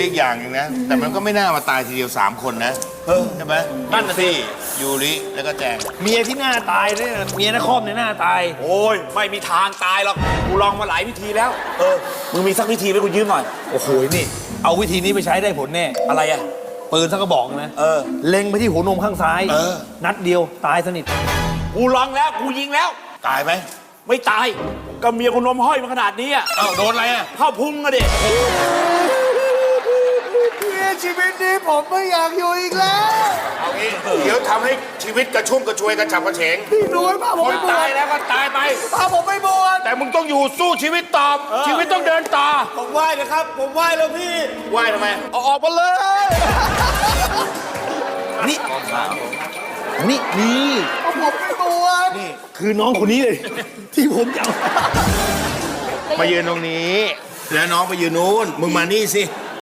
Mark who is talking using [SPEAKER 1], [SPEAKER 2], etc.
[SPEAKER 1] อีกอย่างหนึงนะแต่มันก็ไม่น่ามาตายทีเดียว3 คนนะใช่ไหมนั่นสิยูริแล้วก็แจง
[SPEAKER 2] เมียที่หน้าตายเนี่ยเมียนครเนี่ยหน้าตาย
[SPEAKER 3] โอ้ยไม่มีทางตายหรอกกูลองมาหลายวิธีแล้วมึงมีสักวิธีไหมกูยืมหน่อย
[SPEAKER 2] โอ้โหนี่เอาวิธีนี้ไปใช้ได้ผลแน่
[SPEAKER 3] อะไรอ่ะ
[SPEAKER 2] ปืนสักกระบอกนะเล็งไปที่หัวนมข้างซ้ายนัดเดียวตายสนิท
[SPEAKER 3] กูลองแล้วกูยิงแล้ว
[SPEAKER 1] ตายไหม
[SPEAKER 3] ไม่ตายก็เมียกูนมห้อยมาขนาดนี้อ่ะ
[SPEAKER 1] เอ้าโดนอะไรอ่ะ
[SPEAKER 3] เข้าพุงอะดิ
[SPEAKER 4] ชีวิตนี้ผมไม่อยากอยู่อีกแล้ว
[SPEAKER 1] เอางี้เดี๋ยวทำให้ชีวิตกระชุ่มกระชวยกระฉับกระเฉง
[SPEAKER 4] พี่นุ้ยพาผม
[SPEAKER 1] ค
[SPEAKER 4] ไป
[SPEAKER 1] น
[SPEAKER 4] บว
[SPEAKER 1] ตาย
[SPEAKER 4] ช
[SPEAKER 1] แล้วก็ตายไป
[SPEAKER 4] พาผมไปบวช
[SPEAKER 1] แต่มึงต้องอยู่สู้ชีวิตต่อชีวิตต้องเดินต่อ
[SPEAKER 4] ผมไหว้นะครับ ผมไหว้แล้วพี่
[SPEAKER 1] ไหวทำไม
[SPEAKER 4] เอาออกมาเลย
[SPEAKER 2] นี่นี่
[SPEAKER 4] เอาผมไปบวช
[SPEAKER 2] นี่คือน้องคนนี้เลย ที่ผมจะเอา
[SPEAKER 1] มายืนตรงนี้ แล้วน้องไปยืนนู้นมึงมานี่สิ